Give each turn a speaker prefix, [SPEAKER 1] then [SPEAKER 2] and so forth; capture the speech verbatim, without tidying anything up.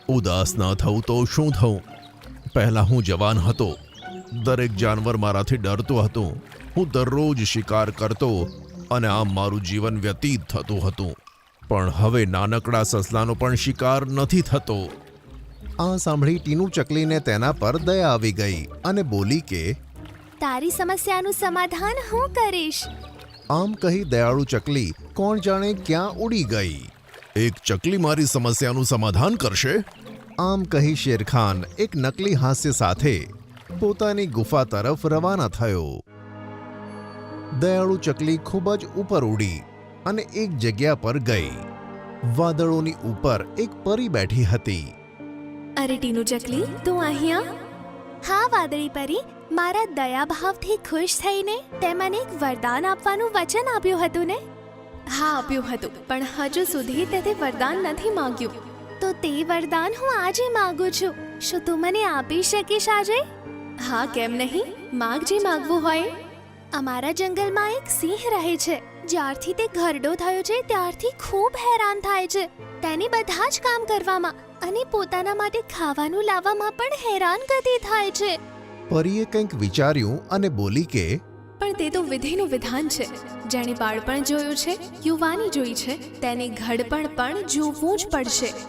[SPEAKER 1] ઉદાસ ન થવું તો શું થવું? પહેલા હું જવાન હતો, દરેક જાનવર મારાથી ડરતું હતું. હું દરરોજ શિકાર કરતો અને આમ મારું જીવન વ્યતીત થતું હતું. પણ હવે નાનકડા સસલાનો પણ શિકાર નથી થતો. આ સાંભળી ટીનુ ચકલીને તેના પર દયા આવી ગઈ અને બોલી કે
[SPEAKER 2] તારી સમસ્યાનું સમાધાન હું કરીશ.
[SPEAKER 1] આમ કહી દયાળુ ચકલી કોણ જાણે ક્યાં ઉડી ગઈ. એક ચકલી મારી સમસ્યાનું સમાધાન કરશે? આમ કહી શેરખાન એક નકલી હાસ્ય સાથે પોતાની ગુફા તરફ રવાના થયો. દયાળુ ચકલી ખૂબ જ ઉપર ઉડી અને એક જગ્યા પર ગઈ. વાદળોની ઉપર એક પરી બેઠી હતી.
[SPEAKER 2] અરે ટીનુ ચકલી, તું અહીંયા? હા વાદળી પરી, મારા દયાભાવથી ખુશ થઈને તે મને એક વરદાન આપવાનું વચન આપ્યું હતું ને? હા આપ્યું હતું, પણ હજુ સુધી તે તે વરદાન નથી માંગ્યું. તો તે વરદાન હું આજે માંગુ છું. શું તું મને આપી શકીશ આજે? હા કેમ નહીં, માગ જે માંગવું હોય. અમારા જંગલમાં એક સિંહ રહે છે. જ્યારથી તે ઘરડો થયો છે ત્યારથી ખૂબ હેરાન થાય છે. તેને બધા જ કામ કરવામાં અને પોતાના માટે ખાવાનું લાવવામાં પણ હેરાન ગતિ થાય છે.
[SPEAKER 1] પરીએ કંઈક વિચાર્યું અને બોલી કે
[SPEAKER 2] પણ તે તો વિધિનું વિધાન છે. જેણે બાળપણ જોયું છે, યુવાની જોઈ છે, તેને ઘડપણ પણ જોવું જ પડશે.